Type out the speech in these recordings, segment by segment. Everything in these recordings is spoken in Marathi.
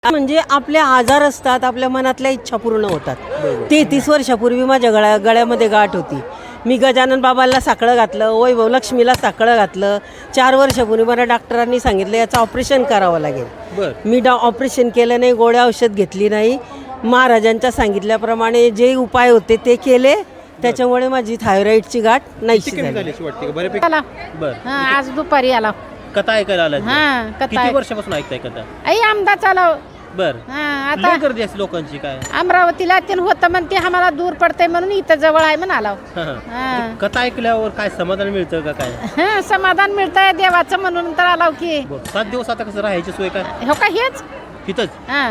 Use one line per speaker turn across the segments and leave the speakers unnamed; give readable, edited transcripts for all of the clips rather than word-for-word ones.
म्हणजे आपले आजार असतात, आपल्या मनातल्या इच्छा पूर्ण होतात. 33 वर्षापूर्वी माझ्या गळ्यामध्ये गाठ होती. मी गजानन बाबांना साकडं घातलं, वैभव लक्ष्मीला साकडं घातलं. 4 वर्षापूर्वी मला डॉक्टरांनी सांगितलं याचं ऑपरेशन करावं लागेल. मी ऑपरेशन केलं नाही, गोळ्या औषध घेतली नाही. महाराजांच्या सांगितल्याप्रमाणे जे उपाय होते ते केले. त्याच्यामुळे माझी थायरॉइडची गाठ नाहीशी झाली.
आज दुपारी आला
कथा ऐकायला आला.
कथा
किती वर्षापासून ऐकताय कथा?
आई आमदा चालव.
बर
आता
गर्दी असते लोकांची काय?
अमरावतीला ते होतं म्हणते आम्हाला दूर पडतंय म्हणून इथं जवळ आहे म्हणून आलो.
कथा ऐकल्यावर काय समाधान मिळतं का काय?
समाधान मिळतंय देवाचं म्हणून तर आलाव की.
7 दिवस आता कसं राहायची सोय काय?
हो का हेच
तिथंच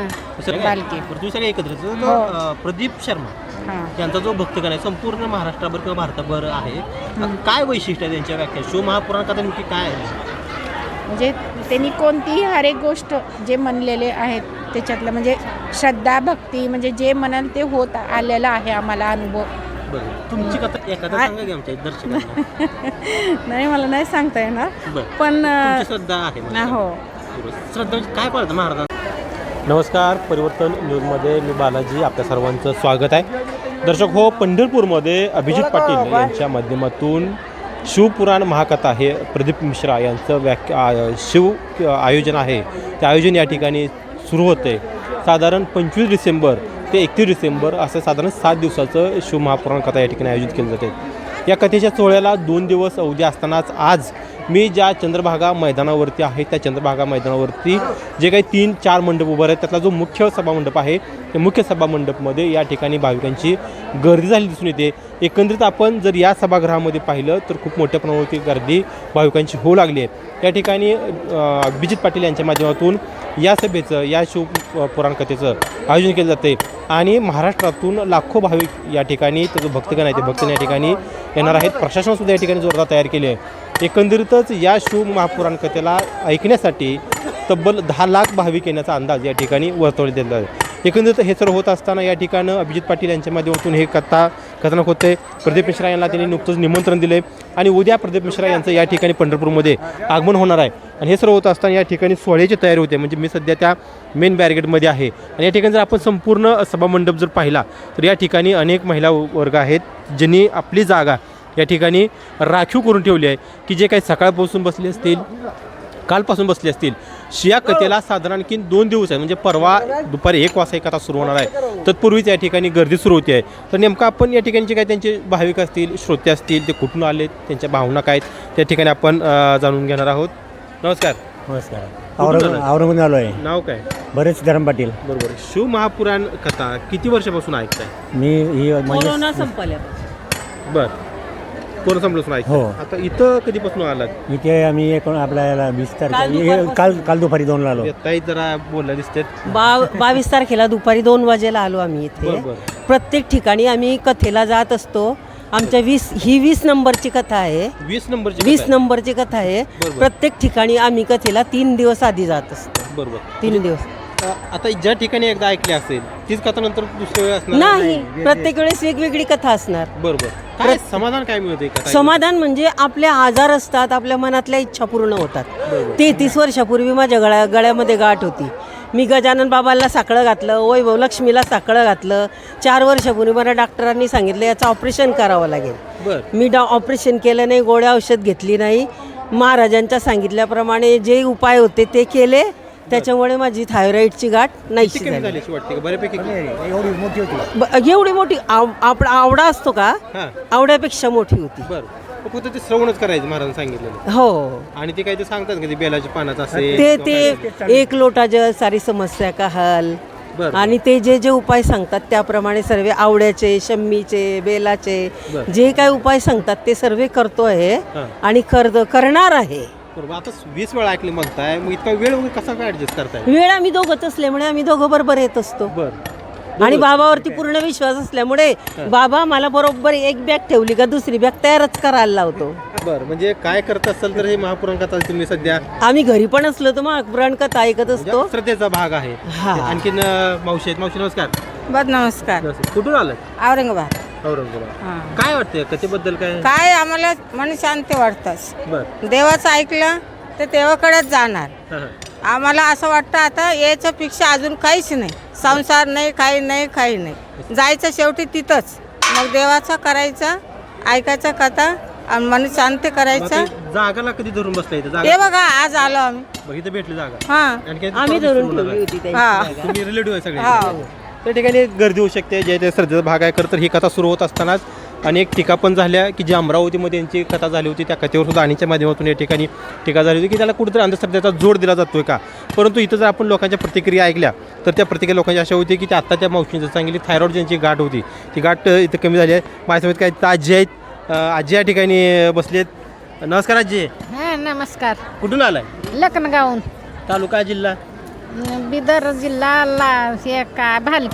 बालकी.
दुसऱ्या एकत्र प्रदीप शर्मा यांचा जो भक्तगण आहे संपूर्ण महाराष्ट्राभर किंवा भारताभर आहे. काय वैशिष्ट्य आहे त्यांच्या व्याख्या? शिव महापुराण कथा नेमकी काय आहे?
म्हणजे त्यांनी कोणतीही हर एक गोष्ट जे म्हणलेले आहेत त्याच्यातलं म्हणजे श्रद्धा भक्ती म्हणजे जे म्हणाल ते होत आलेलं आहे आम्हाला अनुभव.
तुमची कथा एखादा सांगा की आमच्या दर्शकांना.
नाही मला नाही सांगता येणार पण
श्रद्धा आहे.
हो
श्रद्धा काय पाळतं महाराज? नमस्कार, परिवर्तन न्यूजमध्ये मी बालाजी आपल्या सर्वांचं स्वागत आहे. दर्शक हो, पंढरपूरमध्ये अभिजित पाटील यांच्या माध्यमातून शिवपुराण महाकथा हे प्रदीप मिश्रा यांचं शिव आयोजन आहे. ते आयोजन या ठिकाणी सुरू होते. साधारण 25 डिसेंबर ते 31 डिसेंबर असं साधारण 7 दिवसाचं शिव महापुराण कथा या ठिकाणी आयोजित केली जाते. या कथेच्या सोहळ्याला 2 दिवस अवधी असतानाच आज मी ज्या चंद्रभागा मैदानावरती आहे त्या चंद्रभागा मैदानावरती जे काही 3-4 मंडप उभे आहेत त्यातला जो मुख्य सभामंडप आहे त्या मुख्य सभामंडपमध्ये या ठिकाणी भाविकांची गर्दी झाली दिसून येते. एकंदरीत आपण जर या सभागृहामध्ये पाहिलं तर खूप मोठ्या प्रमाणावरती गर्दी भाविकांची होऊ लागली आहे. या ठिकाणी अभिजित पाटील यांच्या माध्यमातून या सभेचं या शिवपुराण कथेचं आयोजन केलं जाते आणि महाराष्ट्रातून लाखो भाविक या ठिकाणी त्याचं भक्तगण आहे ते भक्तगण या ठिकाणी येणार आहेत. प्रशासनसुद्धा या ठिकाणी जोरदार तयार केली आहे. एकंदरीतच या शिव महापुराण कथेला ऐकण्यासाठी तब्बल 10 लाख भाविक येण्याचा अंदाज या ठिकाणी वर्तवण्यात दिला आहे. एकंदरीत हे सर्व होत असताना या ठिकाणी अभिजित पाटील यांच्या माध्यमातून हे कथानक होते. प्रदीप मिश्रा यांना त्यांनी नुकतंच निमंत्रण दिले आणि उद्या प्रदीप मिश्रा यांचं या ठिकाणी पंढरपूरमध्ये आगमन होणार आहे. आणि हे सर्व होत असताना या ठिकाणी सोहळ्याची तयारी होते. म्हणजे मी सध्या त्या मेन बॅरिगेडमध्ये आहे आणि या ठिकाणी जर आपण संपूर्ण सभामंडप जर पाहिला तर या ठिकाणी अनेक महिला वर्ग आहेत ज्यांनी आपली जागा या ठिकाणी राखीव करून ठेवली आहे की जे काही सकाळपासून बसले असतील कालपासून बसले असतील. शिया कथेला साधारण आणखी 2 दिवस आहे. म्हणजे परवा दुपारी 1 वाजता ही कथा सुरू होणार आहे. तत्पूर्वीच या ठिकाणी गर्दी सुरू होती आहे. तर नेमकं आपण या ठिकाणचे काय त्यांचे भाविक असतील श्रोते असतील ते कुठून आले त्यांच्या भावना काय त्या ठिकाणी आपण जाणून घेणार आहोत. नमस्कार.
नमस्कार. औरंगाबाद आलो आहे.
नाव काय?
बरेच धरम पाटील.
बरोबर. शिव महापुराण कथा किती वर्षापासून ऐकताय?
मी ही
कोरोना संपल्यापासून.
बर, कोरोना संपल्यापासून ऐकताय.
हो.
आता इथं कधीपासून आलात?
इथे आम्ही आपल्याला 20 तारखेला काल दुपारी 2ला आलो.
ताई जरा बोलला दिसते.
22 तारखेला दुपारी 2 वाजेला आलो आम्ही इथे. प्रत्येक ठिकाणी आम्ही कथेला जात असतो. आमच्या 20 नंबरची कथा आहे. 20 नंबरची कथा आहे. प्रत्येक ठिकाणी आम्ही कथेला 3 दिवस आधी जात असतो.
बरोबर.
3 दिवस.
आता ज्या ठिकाणी एकदा ऐकली असेल तीच कथा नंतर दुसऱ्या वेळी असणार
नाही, प्रत्येक वेळेस वेगवेगळी कथा असणार.
बरोबर. काय समाधान काय मिळते?
समाधान म्हणजे आपले आजार असतात, आपल्या मनातल्या इच्छा पूर्ण होतात. 33 वर्षापूर्वी माझ्या गळ्यामध्ये गाठ होती. मी गजानन बाबांना साकडं घातलं, वैभव लक्ष्मीला साकडं घातलं. 4 वर्षापूर्वी मला डॉक्टरांनी सांगितलं याचं ऑपरेशन करावं लागेल. मी ऑपरेशन केलं नाही, गोळ्या औषध घेतली नाही. महाराजांच्या सांगितल्याप्रमाणे जे उपाय होते ते केले. त्याच्यामुळे माझी थायरॉइडची गाठ नाहीशी झाली.
एवढी मोठी होती.
एवढी मोठी आवडा असतो का? आवड्यापेक्षा मोठी होती.
फक्त ते श्रवणच करायचं महाराज सांगितलं.
हो.
आणि ते काय ते सांगतात का ते बेलाच्या पानात असे
ते 1 लोटा जल सारी समस्या का हल. आणि ते जे उपाय सांगतात त्याप्रमाणे सर्व आवड्याचे शम्मीचे बेलाचे जे काही उपाय सांगतात ते सर्व करतो आहे आणि करणार आहे.
आता 20 वेळा ऐकले म्हणताय, मग इतका वेळ कसा काय ऍडजस्ट करताय?
वेळ आम्ही दोघंच असल्यामुळे आम्ही दोघं बरोबर येत असतो. आणि बाबावरती पूर्ण विश्वास असल्यामुळे बाबा मला बरोबर एक बॅग ठेवली का दुसरी बॅग तयारच करायला लावतो.
बरं, म्हणजे काय करत असाल तर हे महापुराण कथा तुम्ही सध्या
आम्ही घरी पण असलो तर महापुराण कथा ऐकत असतो.
श्रद्धेचा भाग आहे. आणखीन मावशी नमस्कार.
नमस्कार.
कुठून आलं?
औरंगाबाद.
काय वाटतंय कथेबद्दल?
काय आम्हाला मन शांती वाटतंच.
बरं.
देवाचं ऐकलं तर देवाकडेच जाणार.
आम्हाला असं वाटतं आता याच्यापेक्षा अजून काहीच नाही. संसार नाही, काही नाही. जायचं शेवटी तिथंच. मग देवाचा करायचा, ऐकायचा कथा आणि मन शांत करायचा.
जागाला कधी धरून बसला इथं
हे बघा आज आलो आम्ही.
इथं भेटली जागा
हा
आणखी
आम्ही धरून ठेवली होती त्यांची
हा.
जागा.
तुम्ही रिलेटिव्ह आहे सगळे
हा.
त्या ठिकाणी गर्दी होऊ शकते जे ते श्रद्धेचा भाग आहे. खरं तर ही कथा सुरू होत असतानाच अनेक टीका पण झाल्या की जी अमरावतीमध्ये यांची कथा झाली होती त्या कथेवर सुद्धा आणीच्या माध्यमातून या ठिकाणी टीका झाली होती की त्याला कुठेतरी अंधश्रद्धेचा जोड दिला जातोय का. परंतु इथं जर आपण लोकांच्या प्रतिक्रिया ऐकल्या तर त्या प्रतिक्रिया लोकांची अशा होती की ती आत्ता त्या मावशीने जर सांगितली थायरॉइड ज्यांची गाठ होती ती गाठ इथं कमी झाली आहे. माझ्यासमोर काय तर आजी आहेत, आजी या ठिकाणी बसलेत. नमस्कार आजी,
हा नमस्कार.
कुठून आलाय?
लखनगावून,
तालुका जिल्हा
बिदर जिल्हा हे का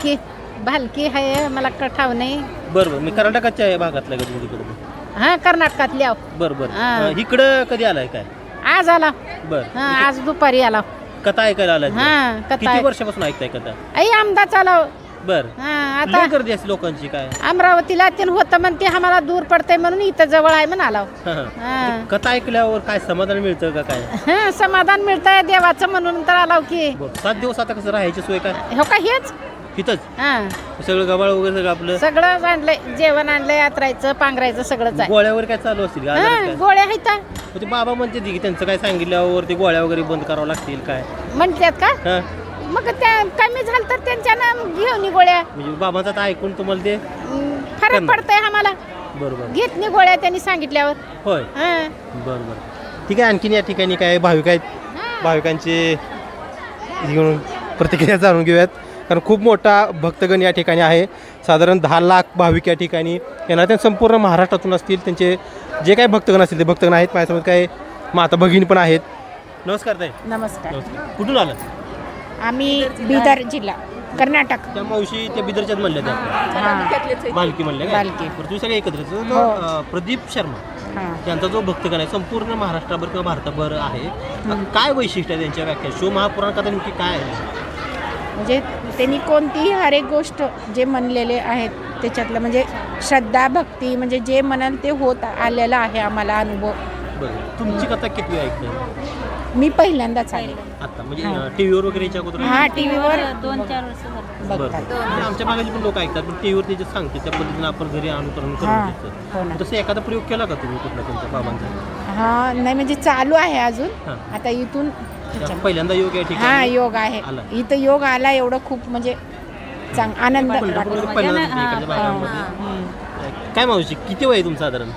भालकी आहे, मला कठाव नाही.
बरं मी कर्नाटकाच्या भागातला का तिकडे?
हा कर्नाटकातली आहो.
बरं
हा.
इकडं कधी आलाय काय?
आज आला.
बरं
हा आज दुपारी आला.
कथा ऐकायला आलाय?
हा कथा
किती वर्षापासून ऐकताय कथा?
आई आमदाच आला.
बरं
हा आता
लय गर्दी असते लोकांची काय?
अमरावतीला ते होतं म्हणते आम्हाला दूर पडतंय म्हणून इथं जवळ आहे म्हणून आला.
म्हणजे कथा ऐकल्यावर काय समाधान मिळतं का काय?
हा समाधान मिळतंय देवाचं म्हणून तर आलाव की.
7 दिवस आता कसं राहायची सोय काय
हो का हेच.
इथंच?
हा
सगळं गबाळ वगैरे सगळं आपलं
सगळं आणलंय, जेवण आणलंय, यात्रायचं पांघरायचं सगळंच आहे.
गोळ्या वगैरे काय चालू असतील?
हा गोळ्या आहेत
ते बाबा म्हणते की त्यांचं काय सांगितल्यावर ते गोळ्या वगैरे बंद करावं लागतील काय?
म्हणतात का.
हा
मग त्या कमी झालं तर त्यांच्यानं घेऊन गोळ्या.
म्हणजे बाबांचं आता ऐकून तुम्हाला ते
फरक
करणार.
पडतंय आम्हाला.
बरोबर
घेत नाही गोळ्या त्यांनी सांगितल्यावर.
होय.
हा.
बरं ठीक आहे. आणखीन या ठिकाणी काय भाविक आहेत, भाविकांची घेऊन प्रतिक्रिया जाणून घेऊयात. कारण खूप मोठा भक्तगण या ठिकाणी आहे. साधारण 10 लाख भाविक या ठिकाणी येणार. त्या संपूर्ण महाराष्ट्रातून असतील. त्यांचे जे काही भक्तगण असतील ते भक्तगण आहेत. माझ्यासोबत काय माता भगिनी पण आहेत. नमस्कार ताई.
नमस्कार.
नमस्कार. कुठून आलं?
आम्ही बिदर जिल्हा कर्नाटक.
त्या मावशी त्या बिदरच्याच म्हणल्या त्या
हां
बालकी म्हणल्या काय?
बालकी.
बरं तुम्ही सगळे एकत्र आहेत.
हो.
प्रदीप शर्मा
हां
त्यांचा जो भक्तगण आहे संपूर्ण महाराष्ट्राभर किंवा भारताभर आहे. काय वैशिष्ट्य आहे त्यांच्या व्याख्या? शिवमहापुराण कथा नेमकी काय आहे?
म्हणजे त्यांनी कोणतीही हर एक गोष्ट जे म्हणलेले आहेत त्याच्यातलं म्हणजे श्रद्धा भक्ती म्हणजे जे म्हणाल ते होत आलेलं आहे आम्हाला अनुभव.
बरं तुमची कथा किती ऐकते?
मी पहिल्यांदाच आले.
आता म्हणजे टीव्हीवर वगैरे याच्या अगोदर?
हा टीव्हीवर
2-4 वर्ष झाली.
बरं. म्हणजे आमच्या भागाची पण लोक ऐकतात पण टीव्हीवर ते जे सांगते त्या पद्धतीने आपण घरी अनुकरण
हां,
करून
हो ना.
घेतो. तसं एखादा प्रयोग केला का तुम्ही कुठला तुमच्या बाबांचा?
हा नाही म्हणजे चालू आहे अजून.
हां.
आता इथून
पहिल्यांदा योग या
हा
ठिकाणी
योग आहे.
आला.
इथं योग आला एवढं खूप म्हणजे आनंद
पंढरपूरमध्ये
वाटतो.
पहिल्यांदा इकडच्या भागामध्ये. काय मावशी किती वय आहे तुमचं साधारण?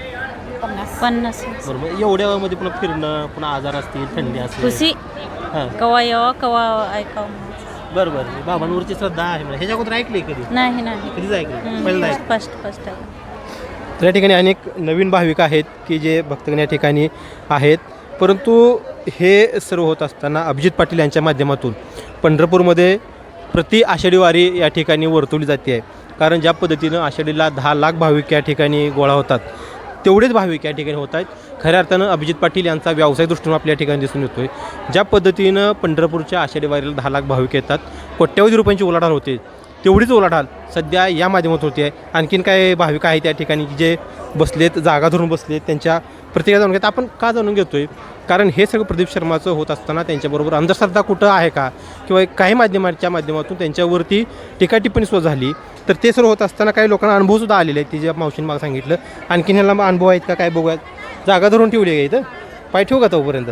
50.
बरोबर. एवढ्या वयामध्ये पुन्हा फिरणं, पुन्हा आजार असतील, थंडी असतील.
खुशी
हां
कवा यावं कवा ऐकावं.
बरं बरं. बाबांवरची श्रद्धा आहे म्हणजे ह्याच्या अगोदर ऐकली कधी?
नाही
कधीच ऐकली? पहिल्यांदा ऐकलं.
फर्स्ट आहे.
तर या ठिकाणी अनेक नवीन भाविक आहेत की जे भक्तगण या ठिकाणी आहेत. परंतु हे सर्व होत असताना अभिजित पाटील यांच्या माध्यमातून पंढरपूरमध्ये प्रति आषाढी वारी या ठिकाणी वर्तवली जाते आहे. कारण ज्या पद्धतीनं आषाढीला 10 लाख भाविक या ठिकाणी गोळा होतात तेवढेच भाविक या ठिकाणी होत आहेत. खऱ्या अर्थानं अभिजित पाटील यांचा व्यावसायिक दृष्टीने आपल्या या ठिकाणी दिसून येतो आहे. ज्या पद्धतीनं पंढरपूरच्या आषाढी वारीला 10 लाख भाविक येतात, कोट्यवधी रुपयांची उलाढाल होते, तेवढीच उलाढाल सध्या या माध्यमातून होती आहे. आणखीन काय भाविक आहेत या ठिकाणी की जे बसलेत, जागा धरून बसलेत, त्यांच्या प्रतिक्रिया जाणून घेत. आपण का जाणून घेतो आहे? कारण हे सगळं प्रदीप शर्माचं होत असताना त्यांच्याबरोबर अंधश्रद्धा कुठं आहे का किंवा काही माध्यमांच्या माध्यमातून त्यांच्यावरती टीका टिप्पणी सुद्धा झाली. तर ते सर्व होत असताना काही लोकांना अनुभवसुद्धा आलेले आहेत. ती जे मावशीने मला सांगितलं. आणखीन ह्याला अनुभव आहेत का काय बघूयात. जागा धरून ठेवली आहे इथं. पाय ठेवू का तोपर्यंत?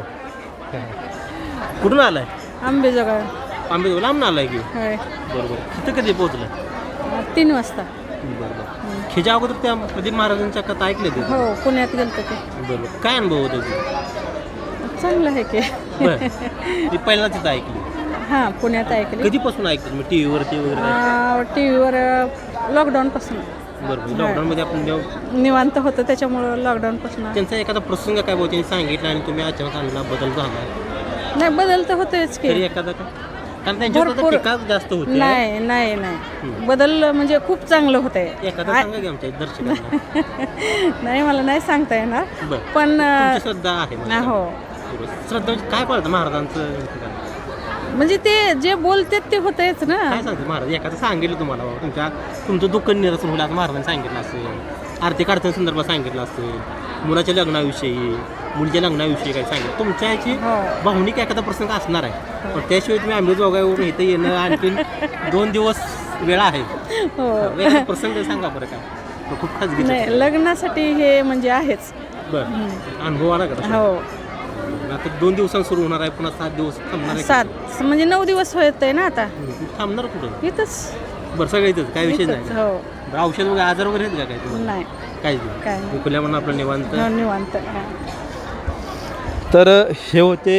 कुठून आला आहे?
आंबेजोगाई.
आंबेजोगाई लांब आला आहे की? बरोबर. तिथं कधी पोहोचलं?
3 वाजता.
बरोबर. ह्याच्या अगोदर त्या प्रदीप महाराजांच्या कथा ऐकल्या ते?
हो पुण्यात गेलतो ते.
बरोबर. काय अनुभव होता ते?
चांगलं आहे की.
बरं. ती पहिल्यांदा तिथं ऐकली?
हां पुण्यात ऐकली.
कधीपासून ऐकतात मी टीव्हीवरती वगैरे?
टी व्हीवर लॉकडाऊनपासून.
बरोबर. लॉकडाऊनमध्ये आपण जेव्हा
निवांत होतं त्याच्यामुळं लॉकडाऊनपासून.
त्यांचा एखादा प्रसंग काय भाऊ त्यांनी सांगितलं आणि तुम्ही अचानक आणला बदल झाला
नाही बदल तर होतेच
तरी
की.
एखादा का? कारण त्यांच्यावर
भरपूर.
टीका जास्त होते.
नाही बदल म्हणजे खूप चांगलं होतंय.
एखादा सांगा की आमच्या दर्शकांना.
नाही मला नाही सांगता येणार
बरं.
पण
तुमची श्रद्धा आहे म्हणजे.
हो
श्रद्धा म्हणजे काय पाळतं महाराजांचं?
म्हणजे ते जे बोलतात ते होतंयच ना.
काय सांगते महाराज? एखादं सांगितलं तुम्हाला बाबा तुमचं दुःख निरसन होईल असं महाराजांनी सांगितलं असेल, आर्थिक अडचणी संदर्भात सांगितलं असेल, मुलाच्या लग्नाविषयी मुलीच्या लग्नाविषयी काय सांगितलं तुमच्या याची भावनिक एखादा प्रसंग असणार आहे पण त्याशिवाय तुम्ही अंबाजोगाईवरून इथं येणं आणखीन 2 दिवस वेळ आहे एखादा प्रसंग सांगा बरं काय तो खूप खाजगी
नाही लग्नासाठी हे म्हणजे आहेच.
बरं अनुभव आला का तसा?
हो
आता 2 दिवसांत सुरू होणार आहे पुन्हा 7 दिवस थांबणार आहे
7 म्हणजे 9 दिवस होत आहे ना आता
थांबणार कुठं
इथंच.
बरं सगळं इथंच काय विषय
इथंच,
नाही
हो
बरं, औषध वगैरे आजार वगैरे आहेत का काय तुम्हाला
नाही
काहीच
काय
नाही
नाही.
खुल्या म्हणून आपलं निवांत
निवांत हा.
तर हे होते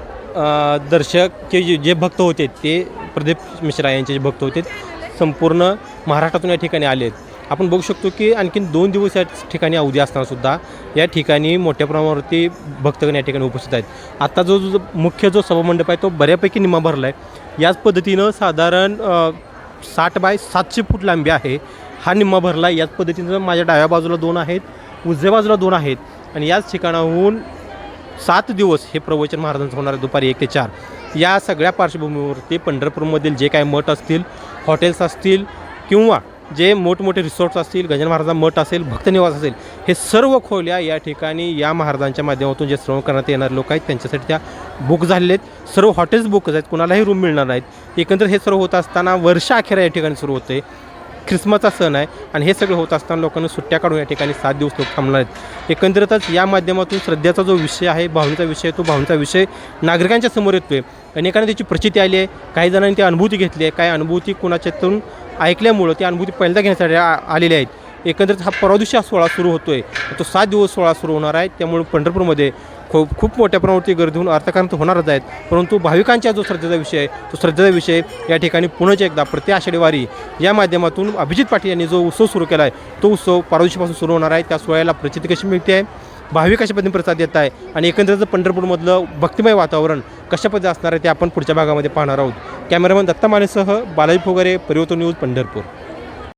दर्शक जे भक्त होते ते प्रदीप मिश्रा यांचे जे भक्त होते संपूर्ण महाराष्ट्रातून या ठिकाणी आले आहेत. आपण बघू शकतो की आणखीन 2 दिवस या ठिकाणी अवधी असतानासुद्धा या ठिकाणी मोठ्या प्रमाणावरती भक्तगण या ठिकाणी उपस्थित आहेत. आता जो मुख्य जो सभामंडप आहे तो बऱ्यापैकी निम्मा भरला आहे. याच पद्धतीनं साधारण 60 बाय 700 फूट लांबी आहे. हा निम्मा भरला आहे. याच पद्धतीनं माझ्या डाव्या बाजूला 2 आहेत उजव्या बाजूला 2 आहेत आणि याच ठिकाणाहून 7 दिवस हे प्रवचन महाराजांचं होणार आहे दुपारी 1 ते 4. या सगळ्या पार्श्वभूमीवरती पंढरपूरमधील जे काही मठ असतील हॉटेल्स असतील किंवा जे मोठमोठे रिसॉर्ट्स असतील गजानन महाराजांचा मठ असेल भक्तनिवास असेल हे सर्व खोल्या या ठिकाणी या महाराजांच्या माध्यमातून जे श्रवण करण्यात येणारे लोक आहेत त्यांच्यासाठी त्या बुक झालेले आहेत. सर्व हॉटेल्स बुक आहेत कुणालाही रूम मिळणार नाहीत. एकंदर हे सर्व होत असताना वर्ष अखेर या ठिकाणी सुरू होते. ख्रिसमसचा सण आहे आणि हे सगळं होत असताना लोकांना सुट्ट्या काढून या ठिकाणी 7 दिवस लोक थांबणार आहेत. एकंदरीतच या माध्यमातून श्रद्धेचा जो विषय आहे भावनेचा विषय आहे तो भावनेचा विषय नागरिकांच्या समोर येतो आहे. अनेकांना त्याची प्रचिती आली आहे काही जणांनी ती अनुभूती घेतली आहे काही अनुभूती कुणाच्यातून ऐकल्यामुळं ती अनुभूती पहिल्यांदा घेण्यासाठी आलेल्या आहेत. एकंदरीत हा परवा दिवशी हा सोहळा सुरू होतो आहे तो 7 दिवस सोहळा सुरू होणार आहे. त्यामुळे पंढरपूरमध्ये खूप मोठ्या प्रमाणावरती गर्दी होऊन अर्थकारण तर होणारच आहेत परंतु भाविकांचा जो श्रद्धेचा विषय आहे तो श्रद्धेचा विषय या ठिकाणी पुन्हा एकदा प्रति आषाढी वारी या माध्यमातून अभिजित पाटील यांनी जो उत्सव सुरू केला आहे तो उत्सव परवा दिवशीपासून सुरू होणार आहे. त्या सोहळ्याला प्रचिती कशी मिळते आहे भाविक कशा पद्धतीने प्रसाद देत आहे आणि एकंदरीत पंढरपूरमधलं भक्तिमय वातावरण कशा पद्धतीने असणार आहे ते आपण पुढच्या भागामध्ये पाहणार आहोत. कॅमेरामॅन दत्ता मानेसह बालाजी फोगारे परिवर्तन न्यूज पंढरपूर.